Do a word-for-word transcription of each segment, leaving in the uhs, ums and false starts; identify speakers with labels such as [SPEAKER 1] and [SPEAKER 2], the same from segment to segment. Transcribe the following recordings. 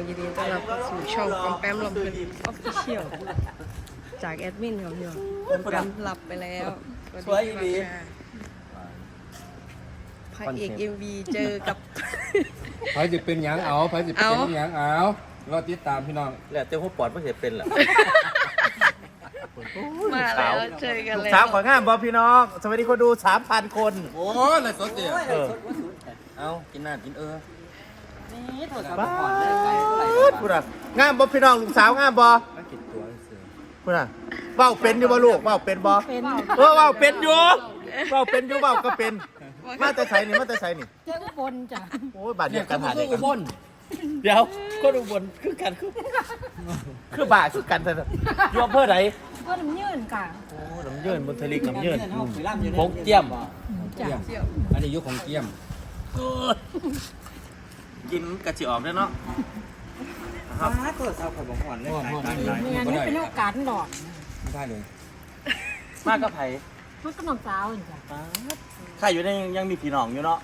[SPEAKER 1] ยินดีต้อนรับเข้าสู่ช่องปอมแปมลำเพลินออฟฟิเชียลจากแอดมินครับพี่น้องปอมแปมหลับไปแล้วสวัสดีครับพระเอกเอ็มวีเจอกับ
[SPEAKER 2] ไผจะเป็นหยังเอาไผจะเป็นหยังเอารอติดตามพี่น้อง
[SPEAKER 3] แล้วเจ้าหัวปอดไม่เห็นเป็นหรอ
[SPEAKER 1] มาแล้วเจอกันแล้ว
[SPEAKER 3] สามของานบอพี่น้อง สวัสดีคนดูสามพันคน
[SPEAKER 2] โอ้ยเลยสดเดียว
[SPEAKER 3] เออ
[SPEAKER 2] เอากินน้ำกินเออ
[SPEAKER 3] บ้าพูดอ่ะงานบอพี่น้องลูกสาวงานบอ
[SPEAKER 2] ไม่กินตัวเสือ
[SPEAKER 3] พูดอ่ะเบ้าเป็นอยู่บ่ลูกเบ้าเป็นบอเออเบ้าเป็นอยู่เบ้าเป็นอยู่เบ้าก็เป็น มาแต่ใส่นี่มาแต่ใส่นี่
[SPEAKER 4] เจ้าอุบลจ้ะ
[SPEAKER 3] โอ้ยบาดเจ็บกันหา
[SPEAKER 2] เด็
[SPEAKER 3] เด็
[SPEAKER 2] ก
[SPEAKER 3] ก
[SPEAKER 2] อุบล
[SPEAKER 3] เดี๋ยวก็อุบลคือกันคือคือบาคือกันแต่ยอมเพื่อไหน
[SPEAKER 4] ก็น้ำยืนค่ะ
[SPEAKER 3] โอ้น้ำเยื่นบนทะเลน้ำเยื่น
[SPEAKER 2] พงเจียม
[SPEAKER 4] จ้ะ
[SPEAKER 2] อันนี้ยุคของเจียม
[SPEAKER 3] กินกระจิออกได้เนาะ
[SPEAKER 2] ครับก็เศร้าของผมก่อนเลย
[SPEAKER 4] เมียนี่เป็นโอกาสหลอก
[SPEAKER 2] ไม่ได้เลย
[SPEAKER 3] มากกับไผ่
[SPEAKER 4] มันก็น้องสาวนี่จ้ะ
[SPEAKER 3] ใครอยู่ในยังมีพี่น้องอยู่เนาะ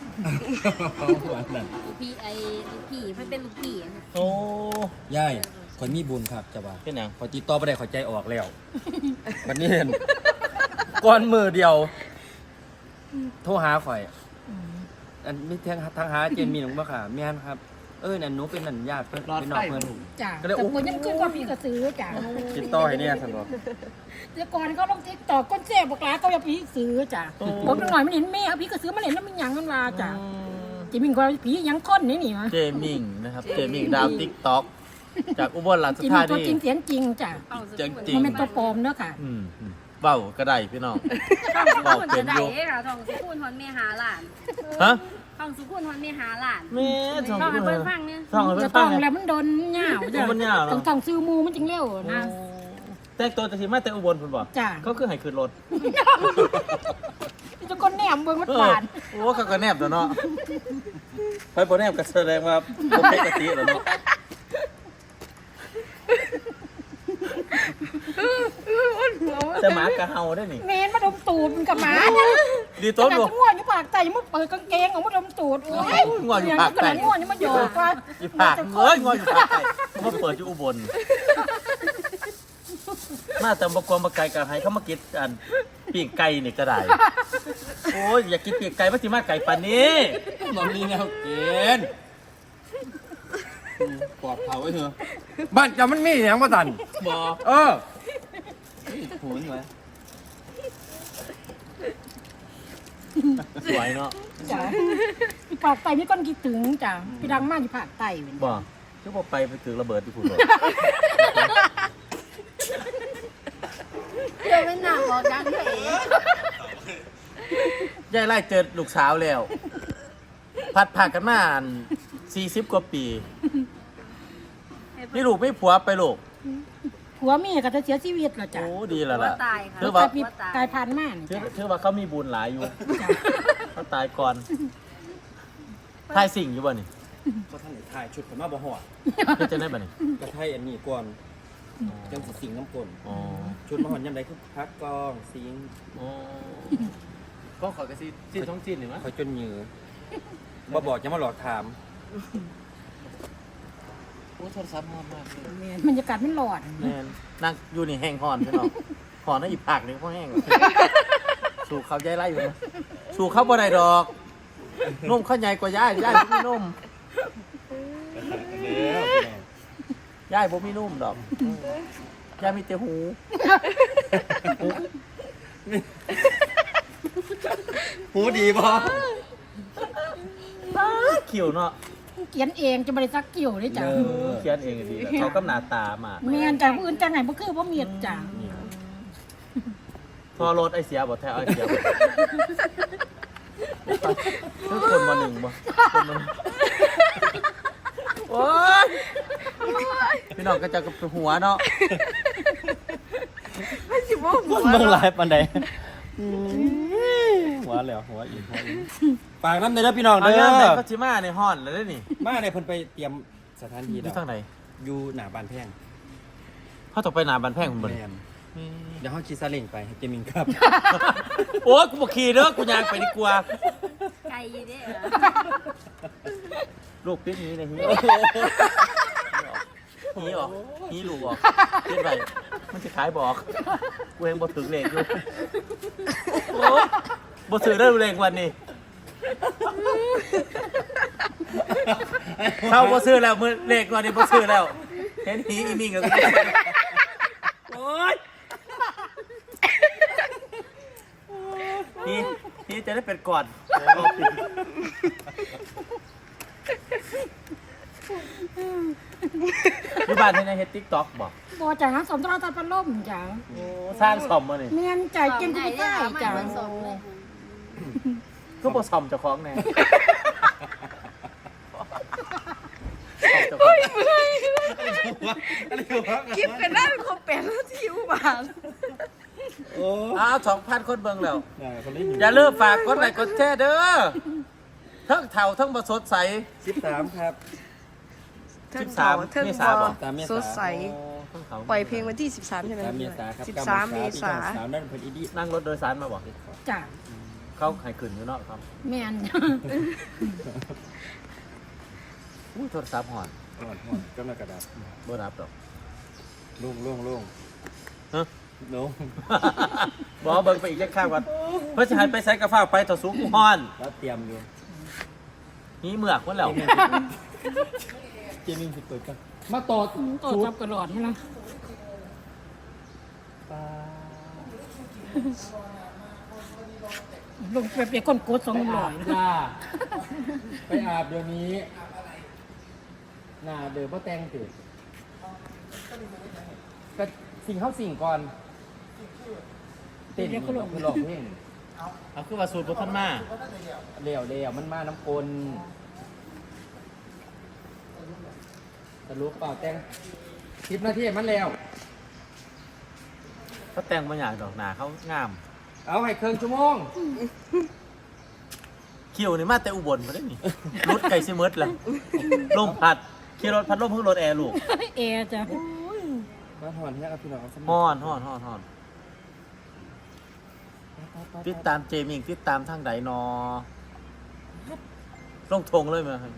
[SPEAKER 5] พี่ไอ้ลูกพี่เพิ่นเป็นลูกพี่อะ
[SPEAKER 3] โอ้
[SPEAKER 2] ย่ายข่อยมีบุญครับจะว่า
[SPEAKER 3] เป็นหยัง
[SPEAKER 2] ข่อยติดต่อไปได้ข่อยใจออกแล้ววันนี้เห็นก้อนมือเดียว โทรหาข่อย อันนี้ทางทางหาเจนมีหนุ่มบ่ค่ะแม่นครับ เออนั่นหนูเป็นนันญาติเพิ่นเป็นน้องเพิ่น
[SPEAKER 4] จ้ะ
[SPEAKER 2] ก็เลย
[SPEAKER 4] แต่
[SPEAKER 2] อุ๊
[SPEAKER 4] คนยังขึ้นว่าพี่กระซื้อจ้ะ
[SPEAKER 2] ติดต่อให้เนี่ยซั่นบ่
[SPEAKER 4] แต่ก่อนเขาลงติ๊กตอกก้นเจ็บบอกลาเขาจะพี่ซื้อจ้ะผมหน่อยมันเห็นแม่พี่กระซื้อมันเห็นแล้วมันยังมันลาจ้ะจิมิงก็ผียังค้นนี่นี่วะ
[SPEAKER 3] เจมิงนะครับ เจมิงดาวติ๊กต็อกจากอุบลราช
[SPEAKER 4] จิมิ
[SPEAKER 3] ธาง
[SPEAKER 4] ตัว
[SPEAKER 3] นี
[SPEAKER 4] จริงเสียงจริงจ้ะ
[SPEAKER 3] จริงจริง
[SPEAKER 4] มันเป็นตัวปลอมเนอะค่ะ
[SPEAKER 3] อืมอืมเบ้าก็ได้พี่น้อง
[SPEAKER 5] ท่องสุ
[SPEAKER 3] เบ้า
[SPEAKER 5] ขุน
[SPEAKER 3] เป็
[SPEAKER 5] จะ
[SPEAKER 3] น
[SPEAKER 5] ได้
[SPEAKER 3] อยู่
[SPEAKER 5] เด้ค่ะท่องสุขุนฮอนแม่หาหลาน
[SPEAKER 3] ฮะ
[SPEAKER 5] ท่องสุขุนฮอนแม่หาหลาน
[SPEAKER 3] แม่ท่อง
[SPEAKER 5] ท่องให้
[SPEAKER 3] เพิ่
[SPEAKER 5] เพิ่
[SPEAKER 3] น
[SPEAKER 5] นฟังเนี่ย
[SPEAKER 3] ท่องให้เพิ่
[SPEAKER 4] จะ
[SPEAKER 3] น
[SPEAKER 4] ต้
[SPEAKER 3] ฟั
[SPEAKER 4] อง ง
[SPEAKER 3] ไง
[SPEAKER 4] แล้วมันโดนเหงาจ้ะ
[SPEAKER 3] มันยาวเนอะ
[SPEAKER 4] ต้องต้องซื้อมูมันจึงเร็วนะ
[SPEAKER 3] แต่งตัวจะทีมาแต่อุบลคุณบอก
[SPEAKER 4] จ้ะ
[SPEAKER 3] เขาคือให้ขึ้นรถ
[SPEAKER 4] จะก้นแหนมเบิ่งมัน
[SPEAKER 3] เอ
[SPEAKER 4] ห
[SPEAKER 3] อ
[SPEAKER 4] วาน
[SPEAKER 3] โอ้เขาก็แนบแล้วเนาะไปบนแนบก็แสดงว่าปกติแล้วเนาะแต่หมากระเฮาได้นี่
[SPEAKER 4] เมนมาดมตูดมันกับหมา
[SPEAKER 3] ดี
[SPEAKER 4] ตั
[SPEAKER 3] ต้
[SPEAKER 4] วน
[SPEAKER 3] บ่
[SPEAKER 4] ง่วงอยู่ปากไตมันเปิดกางเกงออกมาดมตูดโอ้ย
[SPEAKER 3] ง่วงอยู่ปากไต
[SPEAKER 4] ง่วงอยู่มาหยอกว่า
[SPEAKER 3] อยู่ภาคเอ้ยงออยู่ภาคใต้มาเปิดอยู่อุบลมาแต่บกวงบกไก่กันให้เขามากินอันปีกไก่นี่ก็ได้โอ้ยอยากกินปีกไก่มาสิมาไก่ปานนี้
[SPEAKER 2] มันมีแนวเกณฑ์ปลอดเผาไว้เถอะบ้านจะมันมีหยังบ่ตัน
[SPEAKER 3] บ่
[SPEAKER 2] เออ
[SPEAKER 3] หูนไว้สวยเนาะ
[SPEAKER 4] จ้ะปากไตนี่ก้นกี่ถึงจ้ะพี่ดังมากที่ปากไตเป็น
[SPEAKER 3] บ่ชั่วโมงไปไปถือระเบิดที่พูดบ่
[SPEAKER 5] เดี๋ยวไม่หนักบอกดังด้วยเอ๋
[SPEAKER 3] ยายไล่เจอลูกสาวแล้ว พัดผ่านกันมาสี่สิบกว่าปีนี่ลูกไม่ผัวไปลูก
[SPEAKER 4] ผัวเมียก็จะเสียชีวิตแล้วจ้ะ
[SPEAKER 3] โอ้ดีแล้ว
[SPEAKER 5] หัว
[SPEAKER 3] ล่ะ
[SPEAKER 5] ตายค่ะ
[SPEAKER 3] ถือ
[SPEAKER 4] ก
[SPEAKER 3] ว่า
[SPEAKER 4] ลายเป็นกลายพันธุ์มาก
[SPEAKER 3] ถือ
[SPEAKER 4] จ้ะ
[SPEAKER 3] ถือว่าเขามีบุญหลายอยู่เขาตายก่อนทายสิ่งอยู่บ่นี่
[SPEAKER 2] ก็ท่านได้ถ่ายชุดผมมาบ่ฮอด
[SPEAKER 3] เพื่อจะได้บ่นี่
[SPEAKER 2] กระไทยอันนี้ก่อนจังสิสิงน้ำกลน
[SPEAKER 3] อ๋อ
[SPEAKER 2] ชุดมาฮอดยามใดคือพักกองสิง
[SPEAKER 3] อ๋อก็ขอกระซีซีท้องจีนหรือมั้ย
[SPEAKER 2] ข่อยจนเหยือบ่บอกจะมาหลอกถาม
[SPEAKER 3] โอ้โทรศัพท์มากมากเลย
[SPEAKER 4] บรรยากาศมันหลอด
[SPEAKER 3] แม่นนั่งอยู่นี่แห้งหอนพี่น้องหอนนั่นอีกผักนึงเขาแห้งสู่เขาย้ายไล่อยู่นะสู่เขาบ่ได้ดอกนุ่มเขาใหญ่กว่าย่ายย่ายบ่มีนุ่มย่ายบ่มีนุ่มดอกย่ายมีแต่หู
[SPEAKER 2] หูดีบ่
[SPEAKER 3] ขิวเนาะ
[SPEAKER 4] เขียนเองจะบริษักเกี่ยวเลยจ้ะ
[SPEAKER 3] เขียนเองก็ดีแล้วเขากำหน้าตามา
[SPEAKER 4] เมียนจากผู้อื่นจากไหนบ่คือบ่เมียดจ้ะ
[SPEAKER 3] พอรถไอเสียบ่แท้ไอเสียบ่คือคนมาหนึ่งบ่คนมาโอ้ยพี่น้องก็จะกับหัวเนาะมันเบิ่งหลายปานใด
[SPEAKER 2] หัวแล้วหัวอีกหัวอีกฝากน้ำในแล้วพี่น้อง
[SPEAKER 3] เอา
[SPEAKER 2] เด้
[SPEAKER 3] งานไหน
[SPEAKER 2] อ
[SPEAKER 3] ก็สิมาในห้อนแล้วเด้อนี่
[SPEAKER 2] มาในเพิ่นไปเตรียมสถานที่
[SPEAKER 3] อ
[SPEAKER 2] แล้
[SPEAKER 3] ยู่
[SPEAKER 2] ว
[SPEAKER 3] ทางไหน
[SPEAKER 2] อยู่หน้าบ้านแพง
[SPEAKER 3] เขาต้องไปหนาบันแพงคุณบ่
[SPEAKER 2] แม่นเดี๋ยวเฮาขี่ซาเล้งไปให้เจมิงครับ
[SPEAKER 3] โอ้ยกูบ่ขี่เด้อกูยางไปดีกว่า
[SPEAKER 5] ไก่อยู่เด้อ
[SPEAKER 3] ลูกปิดนี้เลยเฮ้ยนี้ออกนี้ลูกออกเฮ็ดไปมันจะขายบอกกูเองบ่ถึงเลขอยู่โอ้บ่ซื้อได้เลขวันนี้เข้าบ่ซื้อแล้วมื้อเลขวันนี้บ่ซื้อแล้วเห็นผีอีมิ่งกับกูโอ๊ยนี่นี่จะได้เป็นก่อนอยู่บ้านที่ไหนเฮ็ด TikTok บ่
[SPEAKER 4] บ่จ้ะสมตราตัดพัดลมจ้ะ
[SPEAKER 3] โอ้สร้างซ่อมบ่นี่
[SPEAKER 4] แม่นจ่ายกิน
[SPEAKER 5] ไหน
[SPEAKER 4] ผู้
[SPEAKER 5] ได้
[SPEAKER 4] ใต้
[SPEAKER 5] ไม่
[SPEAKER 4] จ้ะ
[SPEAKER 5] เหมือนสมเลย
[SPEAKER 3] ก็บ่ซ่อมเจ้าของแน่ซ่อมเจ้าของ
[SPEAKER 1] คลิปเป็นได้เป็นคนแปดนาทีอุบาท
[SPEAKER 3] อ้าว สองพัน คนเบิ่งแล้ว อย่าลืมฝากกดไลค์กดแชร์เด้อทั้งเฒ่าทั้งบ่สดใส
[SPEAKER 2] สิบสามครับ
[SPEAKER 1] เทิง
[SPEAKER 3] สิบสาม
[SPEAKER 1] เทิง
[SPEAKER 3] เม
[SPEAKER 1] บ
[SPEAKER 3] ษา
[SPEAKER 1] อ
[SPEAKER 3] บ่
[SPEAKER 2] ตามเมษา
[SPEAKER 1] สดใส
[SPEAKER 3] ทั้งเฒ่า
[SPEAKER 1] ปล่อยเพลงวันที่สิบสามใช่ไหม
[SPEAKER 2] สามเมษาครับ
[SPEAKER 1] สิบสามเมษา
[SPEAKER 2] สามนั่นเป็นอีดี
[SPEAKER 3] นั่งรถโดยสารมาบ่
[SPEAKER 4] จ้ะ
[SPEAKER 3] เขาให้ขึ้นอยู่เนาะครับ
[SPEAKER 4] แม่น
[SPEAKER 3] อุ้ยโทรศัพท์หอน
[SPEAKER 2] ห่อนห่อนก็มากระดาษ
[SPEAKER 3] บ่รับดอก
[SPEAKER 2] ลุ่งลุ่งลุ่ง
[SPEAKER 3] ฮะ
[SPEAKER 2] ลุ่ง
[SPEAKER 3] บ่เบิ่งไปอีกจักข้างก่อนเพิ่นสิให้ไปไสกะฟ้าไปต่อสูงกูฮ้อน
[SPEAKER 2] แล้วเตรียมอยู่
[SPEAKER 3] นี่เมือกหมดแล้ว
[SPEAKER 2] เจมิ่งสิเปิดกันมาต่อ
[SPEAKER 4] ก็จับกระหลอดนี่ล่ะลงไปเปียกก้นกดสองร้อย
[SPEAKER 2] จ้าไปอาบเดี๋ยวนี้หน้าเดือบ่แต่งติก็สิ่งเข้าสิ่งก่อนเต้นนี่ก็คือร้องเพลง
[SPEAKER 3] เอาคือว่าสูตรบ่ทันมา
[SPEAKER 2] เลี้ยวเลี้ยวมันมาน้ำกลสรุปเปล่าแต่งสิบนาทีมันแล้ว
[SPEAKER 3] เขาแต่งบ่อยากดอกหน้าเขางาม
[SPEAKER 2] เอาให้เครื่องชั่วโมง
[SPEAKER 3] คิวนี่มาแต่อุบลบ่ได้นี่รถไก่สิหมดแล้วลมพัดขี่รถพัดลมเพิ่งรถแอร์ลูก
[SPEAKER 4] เอจ้ะ
[SPEAKER 2] มาถอนเนี่ยครับพี่น้อง
[SPEAKER 3] ฮ้อนฮ้อนฮ้อนฮ้อนติดตามเจมิงติดตามทางใดนอลงทงเลยมั้ย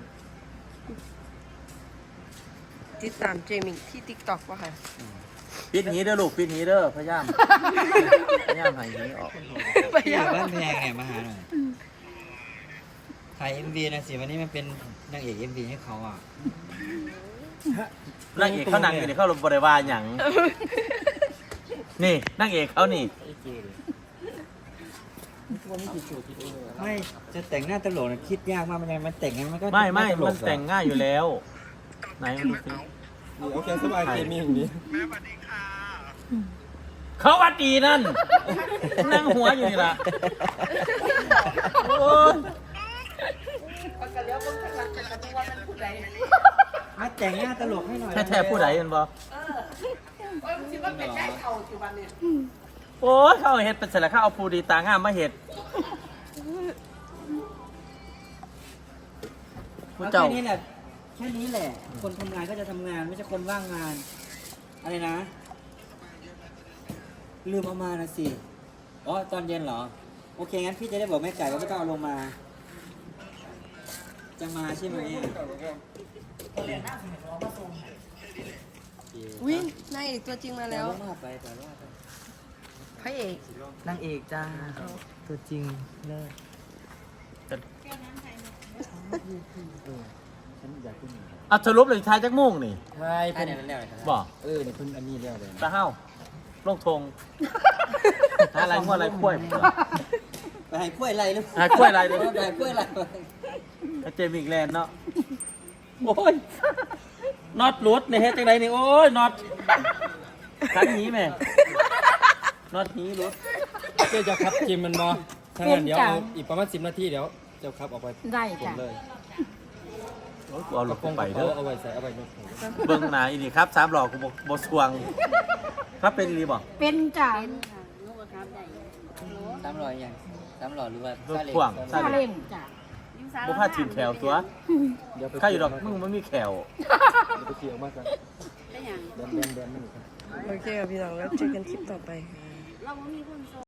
[SPEAKER 1] ติดตามเจมิงที่ติ๊กต็อกว่ะค่ะ
[SPEAKER 3] ปิดหีเด้อลูกปิดหีเด้อพยายามพยายามให้หีออก
[SPEAKER 1] ไป
[SPEAKER 6] อ
[SPEAKER 1] ยัง
[SPEAKER 6] ยู่บ้านแพงไงมาหาหน่อยถ่ายเอ็มวีนะสิวันนี้มันเป็นนางเอกเอ็มวีให้เขาอ่ะ
[SPEAKER 3] นางเอกเขานั่งอยู่นี่เขาบ่ได้ว่าหยังนี่นางเอกเขานี่
[SPEAKER 6] ไม่จะแต่งหน้าตลกนะคิดยากมากมันยังมันแต่งไงมันก็
[SPEAKER 3] ไม่ไม่
[SPEAKER 6] ตล
[SPEAKER 3] มัน
[SPEAKER 6] กอะ
[SPEAKER 3] แต่งง่ายอยู่แล้วไหนมาดูสิ
[SPEAKER 2] โอเคสบายเจมิ่งนี้
[SPEAKER 3] เขาวัดดีนั่นนั่งหัวอยู่นี่ล่ะโอ้ย
[SPEAKER 6] มาแต่งหน้าตลกให้หน่อย
[SPEAKER 3] แท้ๆผู้ใดกันบ่โอ้ยเขาเอาเฮ็ดเป็นเสร็จแล้วเขาเอาผู้ดีตางามมาเฮ็ดผู้
[SPEAKER 6] เอา
[SPEAKER 3] เจ้า
[SPEAKER 6] แค่นี้แหละแค่นี้แหละ คนทำงานก็จะทำงานไม่ใช่คนว่างงาน อะไรนะ ลืมเอามานะสิอ๋อตอนเย็นเหรอ โอเคงั้นพี่จะได้บอกแม่ไก่ว่าไม่ต้องเอาลงมา จะมาใช่ไหมอะ
[SPEAKER 1] วิ่งนายเอกตัวจริงมาแล้ว
[SPEAKER 6] ต่ว่าไปแต่ว่าไป
[SPEAKER 1] พระเอก
[SPEAKER 6] นางเอกจ้าตัวจริงเลิศ
[SPEAKER 2] ฉันอยากขึ้น
[SPEAKER 3] อ่ะสรุปเลยทายจักโมุ่งนี่
[SPEAKER 2] ใช่
[SPEAKER 6] แค่
[SPEAKER 2] เพิ่น
[SPEAKER 6] นี้แล้วครับ
[SPEAKER 3] บ่
[SPEAKER 2] เออเนี่ยเพิ่นอันนี้เรียกเลย
[SPEAKER 3] ตาเฮาลงทงหาอะไรงัวอะไรกล้วย
[SPEAKER 6] ไปให้กล้วยไรหรือเปล่า
[SPEAKER 3] หากล้วยไรเลย
[SPEAKER 6] ไปให้กล้วยไร
[SPEAKER 3] เจมิกแลนด์เนาะโอ้ยน็อตหลุดในเฮ็ดจังไดนี่โอ้ยน็อตขันหนีแม่น็อตหนีหลุด
[SPEAKER 2] เจ้าจะขับจิมมันบอถ้างั้นเดี๋ยวเอาอีกประมาณสิบนาทีเดี๋ยวเจ้าขับออกไป
[SPEAKER 4] ได้
[SPEAKER 2] ผม
[SPEAKER 4] จ้ะ
[SPEAKER 2] เลย
[SPEAKER 3] โอ้ยกูเอารถ
[SPEAKER 2] ก
[SPEAKER 3] กู
[SPEAKER 2] ง
[SPEAKER 3] ไป
[SPEAKER 2] ไป
[SPEAKER 3] เด้อ
[SPEAKER 2] เอาไว้ใส่เอาไว้ในถุง
[SPEAKER 3] เบิ่งหนาอีนี่ครับสามหลอกกูบ่บ่สวงครับเป็นรีบ่
[SPEAKER 4] เป็นจ้ะ
[SPEAKER 5] เป็นค่ะลูกกระทับใหญ่โอ้โห
[SPEAKER 6] สามหล่อยังสามหล่อหรือว่า
[SPEAKER 3] ลูก
[SPEAKER 6] ซาเล้ง
[SPEAKER 3] พ่วง
[SPEAKER 4] ซาเล้งจ้ะ
[SPEAKER 5] ยิ้มสาว
[SPEAKER 3] บ่พาทีมแขวตัว
[SPEAKER 2] เดี๋ยวไป
[SPEAKER 3] ข้าอยู่ดอกมึงมันมีแขว
[SPEAKER 2] เดี๋ยวไปเกี่ยวมากกัน
[SPEAKER 5] ได้ยัง
[SPEAKER 2] แดนแดนแดนมันอยู่ครับ
[SPEAKER 1] โอเคครับพี่น้องแล้วเจอกันคลิปต่อไป
[SPEAKER 5] เราไม่มีคนโซ